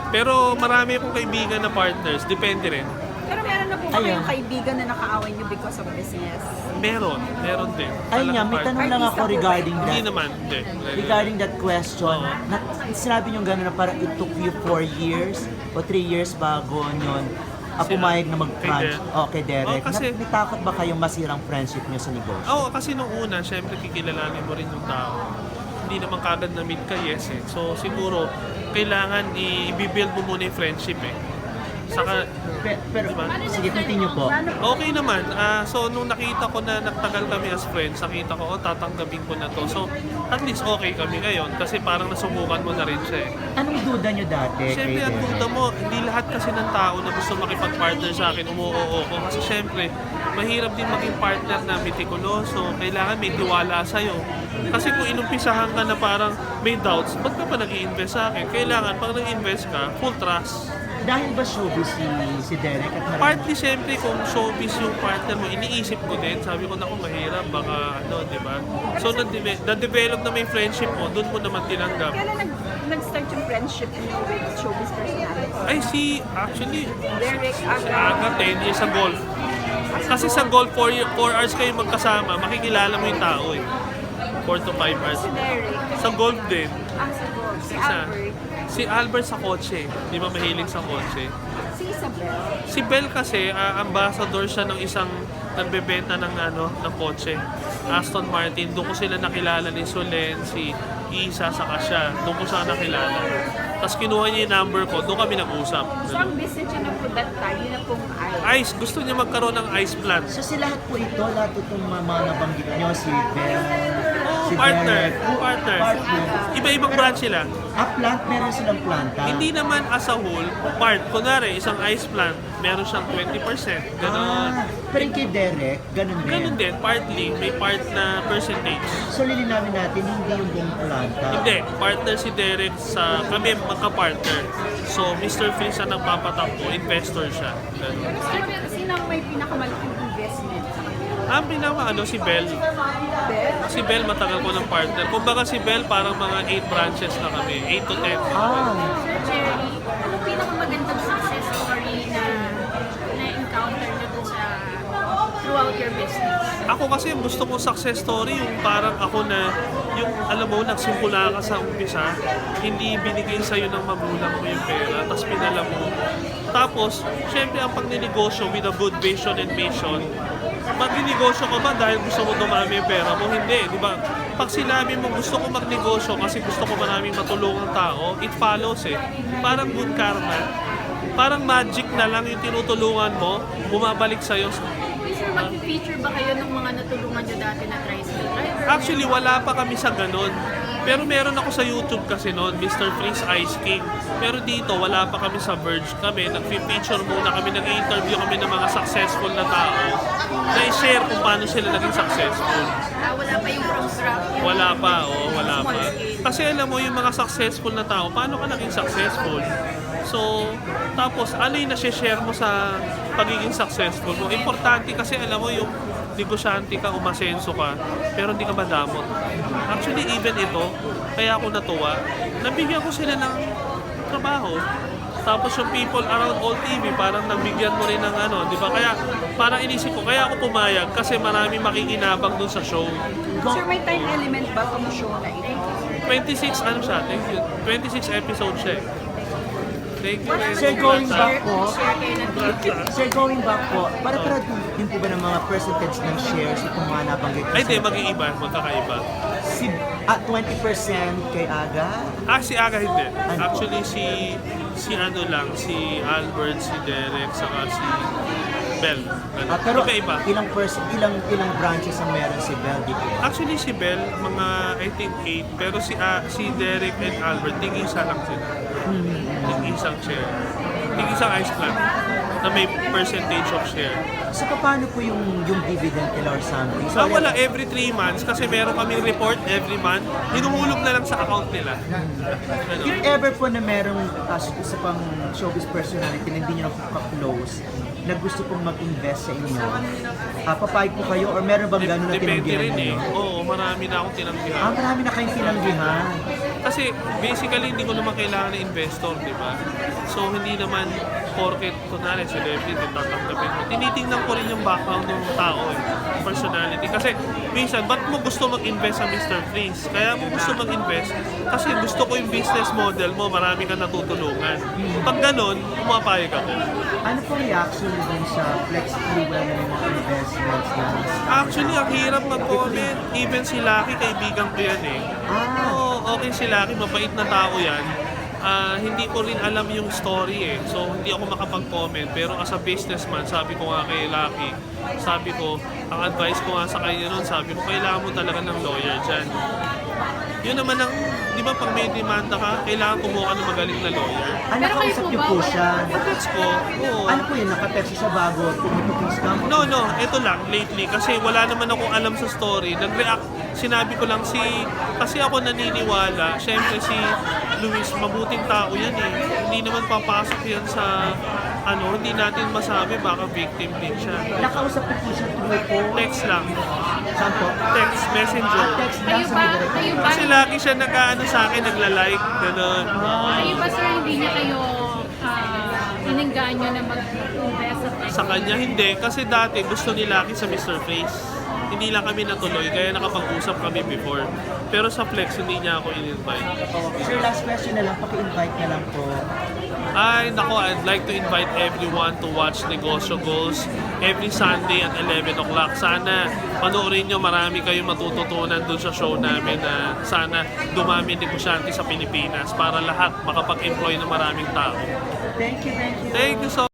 Pero marami akong kaibigan na partners, depende rin. Pero meron na po ba Ayun. kayong kaibigan na nakaaway niyo because of business? Meron din. Ayun nga, Talagang may tanong partner. lang ako regarding Hindi that. naman, hindi. Regarding that question, Oo. sinabi niyo gano'n na parang it took you 4 years o 3 years bago nyon pumayag na mag-crunch. Kay Derek. Oh, kasi- Natakot ba kayong masirang friendship niyo sa negosyo? Oo, kasi nung una, syempre kikilalanin mo rin yung tao. Hindi naman kagad na meet ka, yes eh. So siguro, kailangan i-build mo muna yung friendship eh. Saka, Pero, Diba? sige, continue po. okay naman. So nung nakita ko na nagtagal kami as friends, nakita ko, tatanggapin ko na to. So at least okay kami ngayon kasi parang nasubukan mo na rin siya eh. Anong duda niyo dati Siyempre, kay ang Derek? duda mo, hindi lahat kasi ng tao na gusto makipag-partner sa akin, umuoo ko. Kasi siyempre, mahirap din maging partner na mitikuloso. Kailangan may tiwala sa'yo. Kasi kung inumpisahan ka na parang may doubts, ba't ka pa nag-i-invest sa akin? Kailangan, pag nag-invest ka, full trust. Dahil ba showbiz si Derek at marami? Partly, siyempre, kung showbiz yung partner mo, iniisip ko din. Sabi ko, naku, mahirap, baka ano, di ba? So, na-develop na may friendship mo, doon mo naman tinanggap. Kailan nag-start yung friendship niyo with showbiz personality? Ay, actually, Derek, si Aga. Aga 10 years sa golf. Kasi sa golf, 4 hours kayo magkasama, makikilala mo yung tao eh. 4 to 5 hours. Si Derek. Sa golf din. Sa golf. Si Isa. Albert. Si Albert sa kotse. Di ba mahilig sa kotse? Si Isabel. Si Bel kasi, ambassador siya ng isang nagbebenta ng kotse. Aston Martin. Doon ko sila nakilala ni Solen, si Isa, saka siya. Doon ko siya nakilala. Tapos kinuha niya yung number ko. Doon kami nag-usap. So ang business niya na po that time, yun na pong Ice. Gusto niya magkaroon ng ice plant. So si lahat po ito, lahat itong mga nabanggit niyo, si Bell, si Partner. Derek, Partner. partner. Iba-ibang branch sila. Plant, meron silang planta. Hindi naman as a whole, part. Kunwari, isang ice plant, meron siyang 20%. Ganon. Pero yung kay Derek, ganun din. Ganon din, partly, may part na percentage. So lilinawin natin, hindi yung buong planta. Hindi, partner si Derek sa, kami magka-partner. So, Mr. Phil siya nang papatakbo, investor siya. Ganon. Sino ang may pinakamalaking investment sa kanila? Ang si Bell. Bel? Si Bell matagal ko ng partner. Kumbaga si Bell parang mga 8 branches na kami, 8 to 10. Jerry, ano pinakamagandang success story na na-encounter nyo dun sa throughout your business? Ako kasi yung gusto kong success story, yung parang ako na, yung alam mo, nagsimula ka sa umpisa, hindi binigay sa'yo ng magulang mo yung pera, tapos pinala mo. Tapos, syempre ang pagninegosyo with a good vision and mission, magninegosyo ka ba dahil gusto mo dumami yung pera mo? Hindi, di ba? Pag sinabi mo gusto ko magnegosyo kasi gusto ko maraming matulungang tao, it follows eh. Parang good karma. Parang magic na lang yung tinutulungan mo, bumabalik sa'yo. Sir, mag-feature ba kayo ng mga natulungan nyo dati na tricycle driver? Actually, wala pa kami sa ganun. Pero meron ako sa YouTube kasi noon, Mr. Freeze Ice King. Pero dito, wala pa kami sa Verge. Kami, nag-feature muna kami, nag-interview kami ng mga successful na tao na i-share kung paano sila naging successful. Wala pa yung from scratch. Wala pa, wala pa. Kasi alam mo, yung mga successful na tao, paano ka naging successful? So, tapos, ano yung nasi-share mo sa pagiging successful mo? Importante kasi, alam mo, yung negosyante ka, umasenso ka, pero hindi ka madamot. Actually, even ito, kaya ako natuwa, nabigyan ko sila ng trabaho. Tapos yung people around all TV, parang nabigyan mo rin ng di ba? Kaya parang inisip ko, kaya ako pumayag kasi marami makikinabang dun sa show. Sir, may time element ba kung show na ito? 26, siya? Thank you. 26 episodes siya eh. Thank you. Sir, going back po, Share kayo ng Sir, going back po, para din po ba ng mga percentage ng shares itong mga nabanggit ko? Ay, di, mag-iiba. Magkakaiba. Si, 20% kay Aga? Si Aga hindi. Actually, si Albert, si Derek, saka si Bell. Pero Iba-iba. ilang branches ang meron si Bell dito? Actually, si Bell, mga, I think, 8. Pero si Derek and Albert, tig-isa lang sila. Tig-isang share. Tig-isang ice plant na may percentage of share. So, paano po yung dividend nila or something? Wala every 3 months kasi meron kaming report every month. Hinuhulog na lang sa account nila. If ever po na merong isa pang showbiz personality na hindi nyo na-close, na gusto pong mag-invest sa inyo, papayag po kayo or meron bang gano'n na Depende tinanggihan rin eh. nyo? Oo, marami na akong tinanggihan. Marami na kayong tinanggihan. Kasi basically hindi ko naman kailangan ng investor, di ba? So hindi naman porket kunwari celebrity tatanggapin mo. Tinitingnan ko rin yung background ng tao eh, personality. Kasi minsan, ba't mo gusto mag-invest sa Mr. Freeze? Kaya mo gusto mag-invest kasi gusto ko yung business model mo, marami kang natutulungan. Pag ganun, pumapayag ako. Ano po reaction niyo dun sa Flex Fuel na mga investments na? Actually, ang hirap mag-comment. Even si Lucky, kaibigan ko yan eh. Oo, okay si Lucky, mabait na tao yan. Hindi ko rin alam yung story eh. So, hindi ako makapag-comment. Pero as a businessman, sabi ko nga kay Lucky, sabi ko, ang advice ko nga sa kanya nun, sabi ko, kailangan mo talaga ng lawyer dyan. Yun naman ang, di ba pag may demanda ka, kailangan kumuha ka ng magaling na lawyer. Ano Pero kayo kausap po niyo ba, po wala? siya? Gets ko, oo. Ano po yun? Nakatext siya bago pumunta yung scam? No, ito lang, lately, kasi wala naman akong alam sa story. Nag-react, sinabi ko lang kasi ako naniniwala, syempre si Luis, mabuting tao yan eh. Hindi naman papasok yan sa, hindi natin masabi, baka victim din siya. Nakausap niyo po siya tuloy po? Text lang, Saan po? text, messenger. Text lang sa direct. Kayo ba, Kasi lagi siya nag-ano sa akin, nagla-like, gano'n. kayo ba sir, hindi niya kayo inengganyo na mag-invest sa Flex? Sa kanya hindi, kasi dati gusto ni Lucky sa Mr. Face. Hindi lang kami natuloy, kaya nakapag-usap kami before. Pero sa Flex, hindi niya ako in-invite. Sir, last question na lang. Paki-invite na lang po. Ay, nako, I'd like to invite everyone to watch Negosyo Goals every Sunday at 11 o'clock. Sana panoorin nyo, marami kayong matututunan dun sa show namin na sana dumami negosyante sa Pilipinas para lahat makapag-employ ng maraming tao. Thank you, thank you. Thank you so